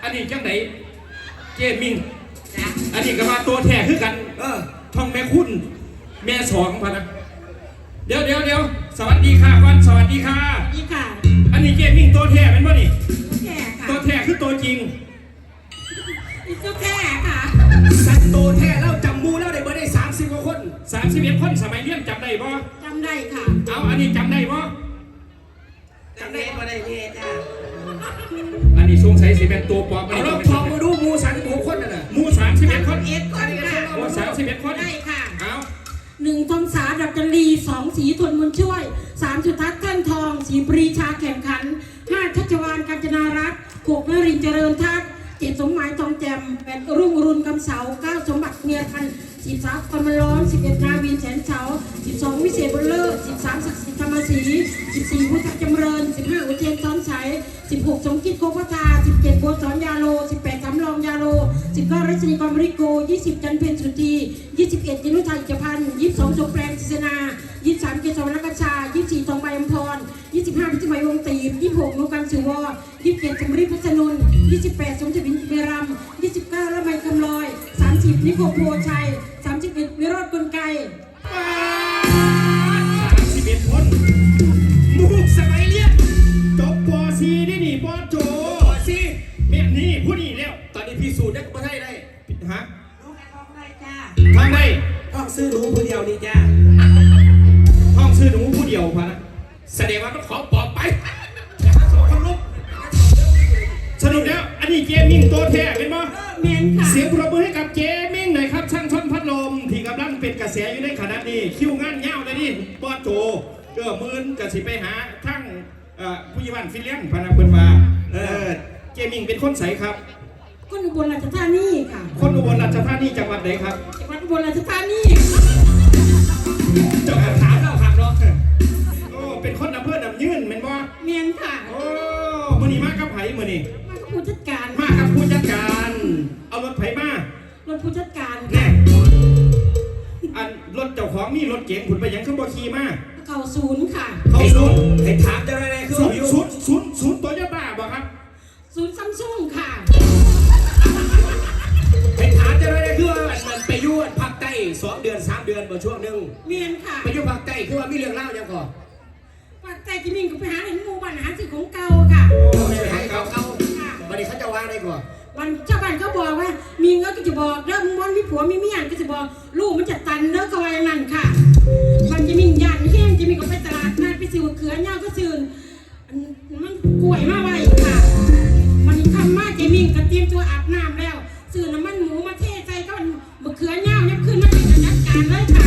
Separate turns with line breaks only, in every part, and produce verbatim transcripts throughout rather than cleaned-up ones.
นนี้จังไหนเจมิงอันนี้ก็มาตัวแท้คือกันเออท่องแม่คุณแม่สองพะนะเดี๋ยวเดี๋ยวเดี๋ยวสวัสดีค่ะก่อนสวัสดีค่ะ
นี่ค่ะ
อันนี้เจมิงตัวแท้เป็นป่ะนี่
แท้ค่ะ
ตัวแท้คือตัวจริง
ตัวแท้ค่ะ
สัตว์ตัวแท้แล้วจำมูแล้วได้เบอร์ได้สามสิบกว่าคน
สามสิบเอ็ดคนสมัยเรียนจำได้ป่ะ
จำได้ค่ะ
เอาอันนี้จำได้ป่ะ
จำได้ป่ะได้เนี่ยจ้า
อันนี้สงสัยสิเป็นตัวปลอม
เอาเราทองมาดูมูสามสิบหกคนน่ะ
มูสามสิบเอ็ดคน
เอ็ดคนค่ะ
มูสามสิบเอ็ดคน
ได้ค่ะ
เอา
หนึ่งทองสาดับจันรีสองสีทนมุนช่วยสามสุทัศน์แท่นทองสีปรีชาแข่งขันห้าชัชวานกาญจนารัตน์หกนรินทร์เจริญทัศน์เจ็ดสมหมายทองแจ่มแปดรุ่งรุนกำเสาเก้าสมบัติเมียพันสิบสามกำมะล้อมสิบเอ็ดนาวินแสนเฉาสิบสองวิเศษบุญเลิศสิบสามศักดิ์สิทธิ์ธรรมศรีสิบสี่พุทธจำเริญสิบห้าอุเทนซ้อนชัยสิบหกสมคิดโคพัทาสิบเจ็ดโบสอนยาโลสิบแปดสำรองยาโลสิบเก้ารัชนีกรมริโกยี่สิบจันเพ็ญสุธียี่สิบเอ็ดยินุทัยจพันธ์ยี่สิบสองสมแปลงศิษนายี่สิบสามเกศวรรณกชายี่สิบสี่ทองใบอัมพรยี่สิบห้าพิจิตรวงตีบยี่สิบหกนุกันสุวรยี่สิบเจ็ดสมฤทธิ์พัชนุนยี่สิบแปดสมจิตวินเมรัมยี่สิบเก้าละไมคำลอยสามสิบนิโคโพชัยสามสิบเอ็ดวิโรจน์กลไก
สามสิบเอ็ดคนมูสมัยเรียนจบป .สี่ ได้หนิป .โจป .สี่ แม่นี่ผู้นี้แล้ว
ตอนนี้พิสูจน์ได้ก็ได้ได้
ฮะ
ลูกแอร์ท้องได้จ้า
ทำได้
ต้องซื้อหนูคนเดียวนี่จ้า
ห้องซื้อหนูผู้เดียวพะนะแสดงว่าต้องขอปอบไปสรุปแล้วอันนี้เจมิงตัวแท้เป็นมั้ย
เมียนค่ะ
เสียงปรบมือให้กับเจมิงหน่อยครับช่างชนพัดลมที่กำลังเป็นกระแสอยู่ในขณะนี้คิวงานเงาเลยนี่ปอโจเกือบมื่นกระสิไปหาทั้งผู้ยิบันฟิลเลียนพนักเพิ่นมาเออเจมิงเป็นคนใสครับ
คนอุบลราชธานีค่ะ
คนอุบลราชธานีจังหวัดไหนครับ
จังหวัดอุบลราชธานี
เจ้าถามเราครับเนาะโอ้เป็นคนอำเภอดำยืนเป็นบ่
เมียนค่ะ
โอ้มื้อนี้มากับไผมื้อนี้
มากับผู้จัดการ
มากับผู้จัดการเอารถไผมาร
ถผู้จัดการ
แน่อันรถเจ้าของมีรถเก๋งผุนไปยังขึ้นบ่ขี่มา
เก่าศูนย์ค่ะ
เข้าศูนย์
ให้ถามจะได้ไงคือศูนย์
ศูนย์ศูนย์ศูนย์โตโยต้าบ่ครับ
ศูนย์ซัมซุงค่ะ
ให้ถามจะได้ไงคือว่ามันไปยุ่งภาคใต้สองเดือนสามเดือนบ่ช่วงนึง
เมียนค่ะ
ไปยุ่งภาคใต้คือว่ามีเรื่องเล่าอย่างก่อน
ภาคใต้ที่มิ่งก็ไปหาเห็นหมู่บ้านหาสิ่งของเก่าค่ะ
ไปหาเก่าเก่าวันนี้เขาจะว่าได้ก่อน
วันชาวบ้านเขาบอกว่ามีเงินก็จะบอกเริ่มวันมีผัวมีเมียก็จะบอกลูกมันจะตันเด้อเขาว่าอย่างนั้นค่ะมันจะมียันแห้งจะมีก็ไปตลาดนัดไปซื้อเขือเน่าก็ซื้อมันกล้วยมาไว้ค่ะมันทำมาจะมีกระเตรียมตัวอาบน้ำแล้วซื้อน้ำมันหมูมาเทใส่ก็มะเขือเน่าเนี่ยขึ้นมาเป็นจัดการเลยค่ะ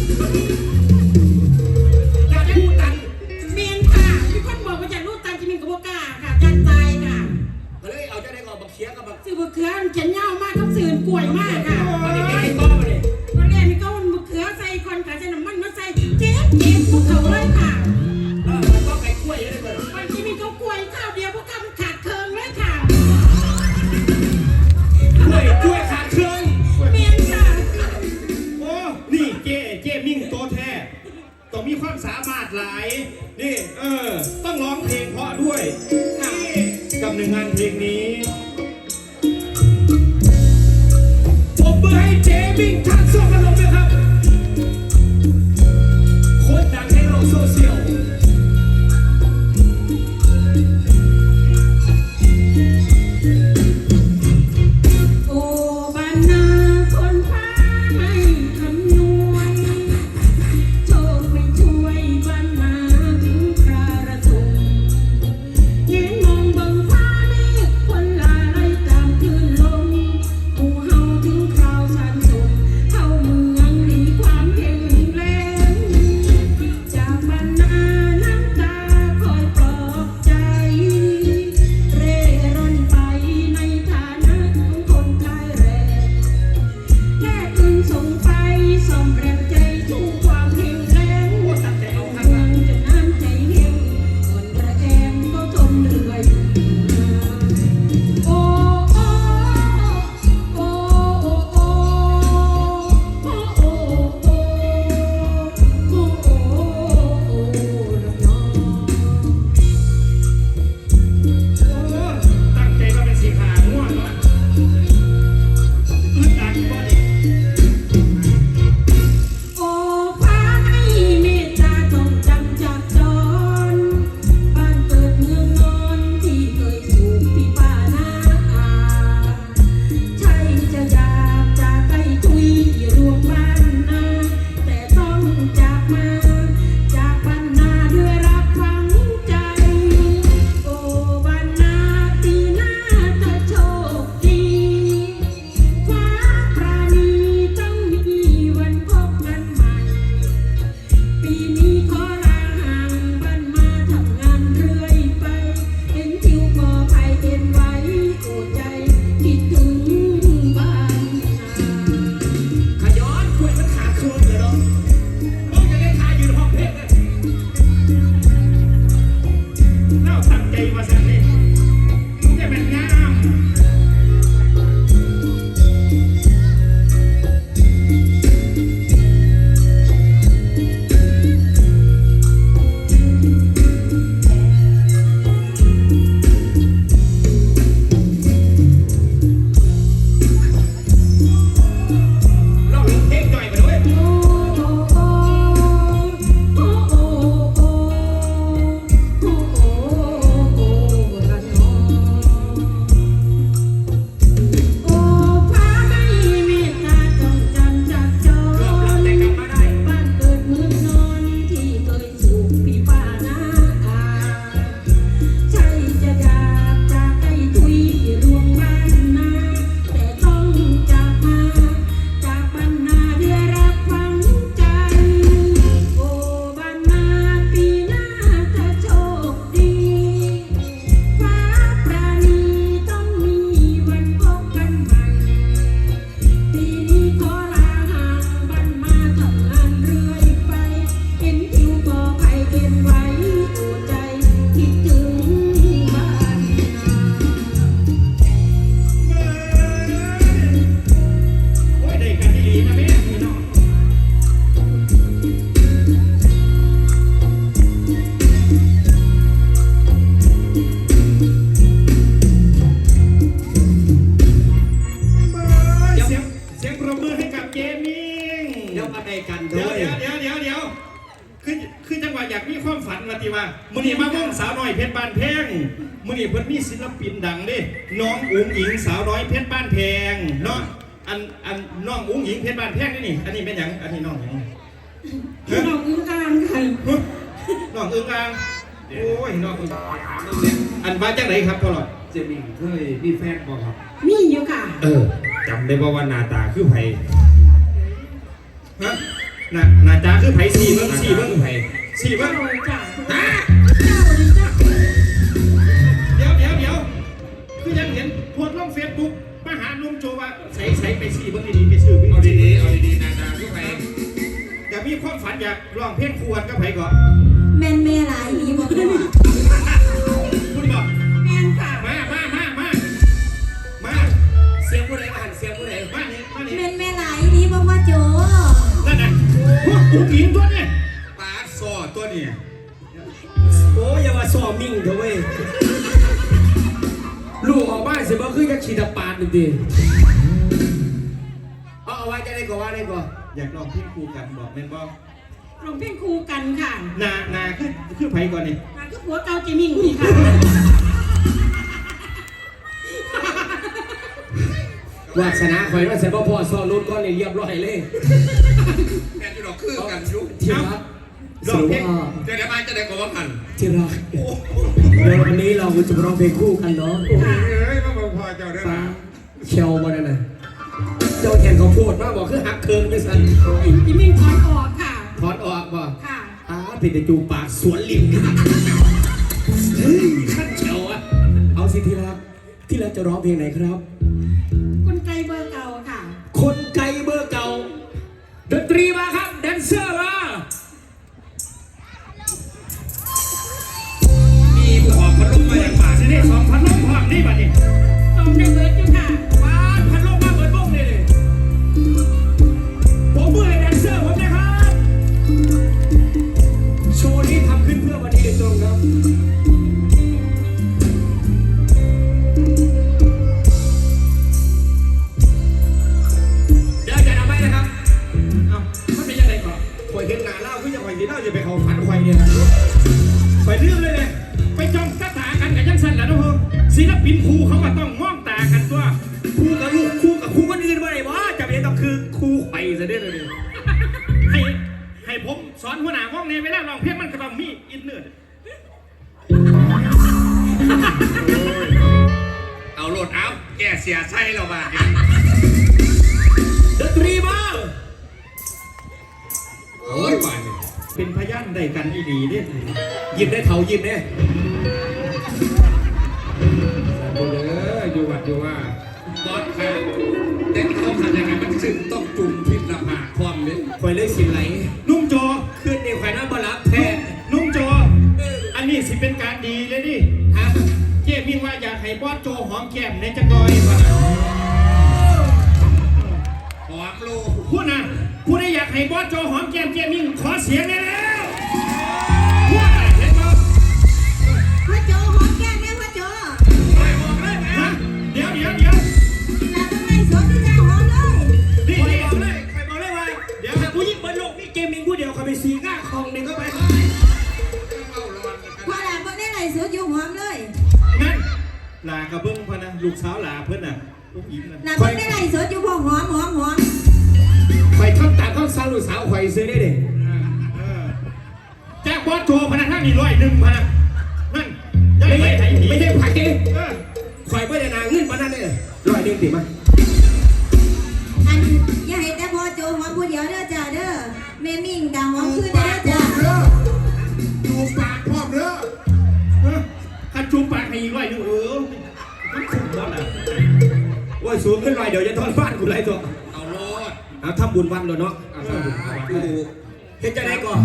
อยากได้ลูกตันเมียนค่ะมีคนบอกว่าอยากลูกตันจะมีกระบอกกาค่ะยันตายค่ะ
ก็เลยเอาจะได้ก่อนบักเขียกับบัก
ซื้อมะเขือเขียนเน่ามากต้องซื้อกล้วยมากค่ะ
ตอนนี้ไม่ก้อมาเลย
ตอนแรกมีก็มะเขือใส่คนขาใส่น้ำมันมาใส่เจ๊เจ๊พวกเขาเลยค่ะ
เออก็ไก่กล้วยได้เลย
วันที่มีเขากล้วยข้าวเดียวพวกคำขาดเคิงเลยค่ะ
กล้วยกล้วยขาดเครื่อง
เมียนค่ะ
โอ้นี่เจเจมิงตัวแท้ต้องมีความสามารถหลายนี่เออต้องร้องเพลงเพราะด้วยกับหนึ่งงานเพลงนี้ปรบมือให้เจมิงทักส่งกันลงเลยครับ
โคตรดังในโลกโซเชียล
โอ้บ้านนาคนพาไม่คำนวณโชคไม่ช่วยบ้านนาถึงคราระทมเห็นมองบังฟ้าเมฆคนลาไล่ตามคลื่นลมผู้เฮาถึงคราวสันสมเฮา
ปินดังดิน้องอุ๋งอิงสาวน้อยเพชรบ้านแพงเนาะอันอันน้องอุ๋งอิงเพชรบ้านแพงนี่นี่อันนี้เป็นหยังอันนี้น้องหยัง
น้องอึ้งอ่างค่ะ
น้องอึ้งอ่างโอ้ยน้องอึ้งอันมาจากไหนครับพ่อหลอด
เจมิงเคยมีแฟนบ่ครับ
มีอยู่ค่ะ
เออจำได้บ่ว่าหน้าตาคือไผ
ฮะน่ะน่าจ้าคือไผสี่เบิ้งสี่เบิ้ง
ไผ
สี่เบิ้ง
เจ้าจ้ะ
ฮะ
เจ้าเลยจ้ะ
เดี๋ยวเดี๋ยวเดี๋ยวคือยังเห็นโพสต์ลงเฟซบุ๊กมาหาลุงโจว่าใส่ใส่ไปสี่เบิ้งดีๆไปซื้อ
เอาดีๆเอาดีๆหน้าตาคือไผ
อยากมีความฝันอยากร้องเพลงคู่กันกับไผก่อน
แม่นแม่หลายอีบอกว่า
คุณบอก
แม่นค่ะ
มามามามามา
เสียงผู้ใดมาหันเสียงผู้ใด
มานี่มานี่
แม่นแม่หลายอีบอกว่าโจ
นั่นน่ะพวกอุ๋งอิงตัวเนี่ยปาดซอตัวเนี่ย
โอ้ยอย่าว่าซ้อมมิ่งเถอะเว้ยลูกออกบ้านสิบ่คือจักฉีดปาดนี่ติเอาเอาไว้จะได้ก็ว่าได้ก็
อยากร้องเพลงคู่กันบอกแม่นบอก
ร้องเพลงคู่กันค่ะ
นานาคือคือไผก่อนนี่
นางก็ผัวเก่าเจมิงนี่ค่ะ
วาสนาข่อยว่าสิบ่พอซ้อรถก่อนนี่เรียบร้อยเลย
แม่นอยู่ดอกคือกันอยุ
ที่รักสรุปว่า
เดี๋ยวเดี๋ยวมาจะได้กว่ากัน
ที่รักเดี๋ยววันนี้เราจะมาร้องเพลงคู่กันเนาะ
เฮ้ยมาบอกพอเจ้าได้
ฟ้า
ละ
เชียวมาเนี่ยนะเจ้าแข่งเขาวโพูดมาบอกคือหักเคิงจังสัน
เจมิงถอนออกค่ะ
ถอนออกบ่
ค่ะ
อ้าผิดแต่จูปากสวนลิมเฮ้ยขั้นเชียวอะเอาสิที่รักที่รักจะร้องเพลงไหนครับ
คนไกลเบอร์เก่าค่ะ
คนไกลเบอร์เก่าดนตรีมาครับแดนเซอร์มา
มีผู้ออกพัดลมมาอย่างป่าสิได้สองพัดลมพร้อมนี่บัดนี้
ต้องได้เบิร์ดอยู่ค่ะ
มาพัดลมมาเปิดวงเลยเลยผมมือให้แดนเซอร์ผมนะครับโชว์นี้ทำขึ้นเพื่อวันนี้โดยตรงครับเดี๋ยวจะเอาไว้นะครับ
เอ้ามันเป็นยังไงก่อน
คอยเห็นหน้าเล่าคือจะคอยกินเหล้าจะไปเขาฝันคอยเนี่ยนะ
ไปเรื่องเลยเลยไปจ้องตาตากันกับยังสั่นแหละน้องเพิ่มศิลปินครูเขาก็ต้องมองตากันตัว
คู่กับลูกคู่กับคู่คนอื่นมาไหนวะจะเป็นต้องคือคู่ไข่ซะด้วยเลย
ให้ให้ผมสอนหัวหน้าห้องในเวลาร้องเพลงมันก็ต้องมีอินเนอร์
เอาโหลดอัพแกเสียไส้เราบ้า
ดนตรีมา
โอ้ยป่านนี้
เป็นพยานได้กันอีดีเนี่ย
หยิบได้เถาหยิบได้
ดูเลยอยู่วัดอยู่ว่าบอสค่ะแต่ที่เขาทำยังไงมันซึ่งต้องจุ่มพิษละผาความเลย
คอยเลยสิไหล
นุ่มโจ
ขึ้นในควายน้ำบาลับแท้
นุ่มโจ อันนี้สิเป็นการดีเลยดิฮะเจ๊มิ่งว่าอยากให้บอสโจหอมแก้มในจักรอยว่ะ
หอมลูก
พูดนะพูดได้อยากให้บอสโจหอมแก้มเจ๊มิ่งขอเสียงได้แล้วพูดอะไรเห็นมั้ย
พ่อโจหอมแก้มแม่พ่อโจ
ฮะเดี๋ยวเดี๋ยวเดี๋ยว
แล้วทำไมสวนที่จะหอมเลย
นี่
คอย
นี่
บอกเลยคอยบอกเลยว่าเดี๋ยวถ้าผู้หญิงบนโลกนี่เกมมิงผู้เดียวคอยไปซีก้าคลองหนึ่งเข้าไป
เข้าร้อนกัน
พ่อหลานพ่อได้ไหนสวนอยู่หอมเลย
นั่นลากระเบื้องพะนะลูกสาวลาเพื่อนน่ะลูกยิ้มนะ
หลานพ่อได้ไหนสวนอยู่พ่อหอมหอมหอม
คอยทำตามข้าวสาวลูกสาวคอยซื้อได้เด็
เออแจ้งบอสโจพะนะท่านนี่ร้อยหนึ่งพะนะนั่นย้าย
ไม่
ไป
ใช่
ไหนหนี
ไม่ใช่ผักเอง
เออ
คอยไม่ได้นาเงินมานั่นเลยร้อยหนึ่งติมา
อันอย่าให้แต่พ่อโจหอมผู้เดียวเด้อจ้าเด้อแม่มิ่งกะหอมขึ้นเด้อจ้า
ดูปากพ่อเด้อ
เออคันจูบปากให้อีกร้อยหนึ่งเออมันคุ้มบอสอ่ะ
โอ้ยสูงขึ้นลอยเดี๋ยวจะทอนบ้านกูไรตัว
เอาโลด
เอาทำบุญวันเลยเนาะเอาทำบุญวันกูเฮ็ดจะได้ก่อน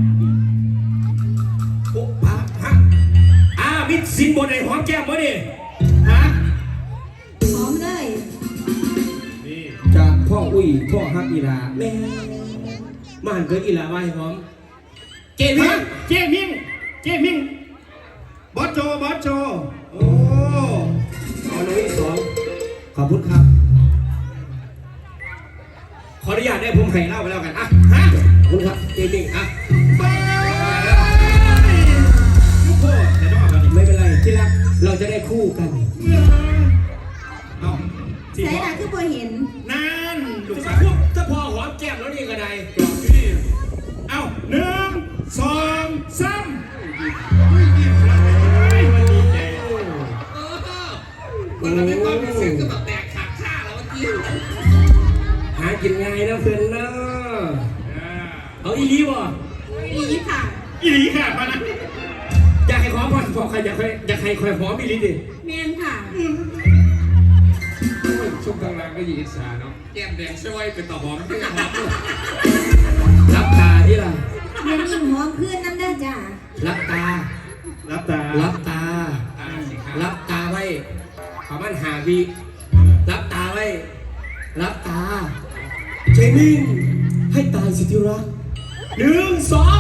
โอ้พระฮะอ่ามิดสินบนไอ้หอมแก้มบ่ดิฮะ
หอมเลย
นี่
จากพ่ออุ้ยพ่อฮักอีลาแม่มาหันเกิดอีลาไว้หอมเก
เฮ้
มิ่
ย
ง
เจมิงเจมิงบอสโจบอสโจโอ้
เอาหนุ่ยสองขอบคุณครับ ขออนุญาตได้ผมให้เล่าไปแล้วกันอ่ะ
ฮะ
ขอบคุณครับเกมิ่งอ่ะ
ไปลูกโคตรแต่ต้องเอาไป
ไม่เป็นไรที่รักเราจะได้คู่กัน
ที่
ใส่
พ่อ
หลักคือบ่เห็น
นั่นลู
จะ
ก
มา
สาว
พูดถ้าพอหอมแก้มแล้วนี่ก็ได้
จอดที่นี่
เอ้าหนึ่งสองสาม
มันดีใจ
โอ้
เออมันเราไม่ความรู้สึกก็แบบแตกขาดข้าแล้วเมื่อกี้
หากินง่ายนะเพื่อนเนาะเอาอีลีบ่
ดีค่ะ
อีหลีค่ะมานะ
อยากให้หอมพอพอใครอยากให้อยากให้คอยหอมอีลีดิ
เมนค่ะ
ช่วงกลางๆก็ยิงอิสาเนาะแก้มแดงช่วยเป็นต่อหอมที่หอมด้วย
รับตาที่ล่ะ
แม่มิ่งหอมขึ้นน้ำเด้อจ้า
รับตา
รับตา
รับตา
ตาสิครับ
รับตาไว้ประมาณหาวิรับตาไว้ รับตา เจมิงให้ตายสิที่รักหนึ่งสอง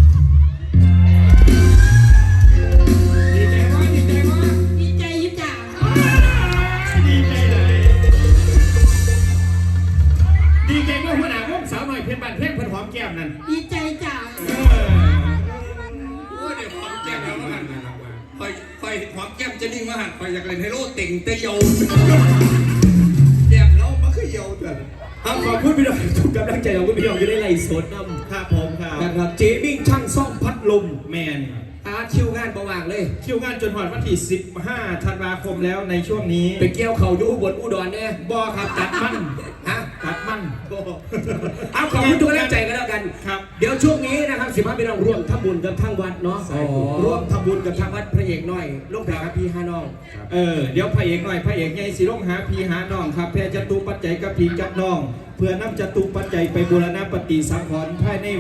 ดีใจว่าดีใจว่า
ดีใจอยุจ่า
ดีใจเลยดีใจเมื่อหัวหน้าวงสาวหน่อยเพียนบ้านเพียงเพิ่นหอมแก้มนั่น
ดีใจจ้า
เออ
โอ้ยเดี๋ยวหอมแก้มแล้วมาหันนะครับว่าคอยคอยหอมแก้มจะนิ่งมาหันคอยอยากเล่นไฮโลเต่งเตยโยแก้มแล้วมันคือโยเถอะ
เอาขอบคุณพี่น้องทุกกำลังใจของคุณพี่น้องจะได้ไล่สดนำ
ครับผมครับ
นะครับเจมิงช่างซ่อมพัดลม
แมน
อาคิวงานประว่างเลย
คิวงานจนหอดวันที่สิบห้าธันวาคมแล้วในช่วงนี้
ไปเกี่ยวเขาอยู่อุบลอุดรเนี่ย
บอครับตัดมัน
ฮะ
ตัดมัน
เอาขอบคุณทุกกำลังใจกันแล้วกัน
ครับ
เดี๋ยวช่วงนี้นะครับสิบห้าพี่น้องร่วมทำบุญกับทางวัดเนาะ
ใช่ครับ
ร่วมทำบุญกับทางวัดพระเอกน้อยลูกแพรครับพี่ห้าน้อง
เออเดี๋ยวพระเอกหน่อยพระเอกใหญ่สิลงหาพีหาน้องครับแพรจตุปัจจัยกับพีกับน้อง เพื่อนำจตุปัจจัยไปบูรณะปฏิสังขรณ์ภายใน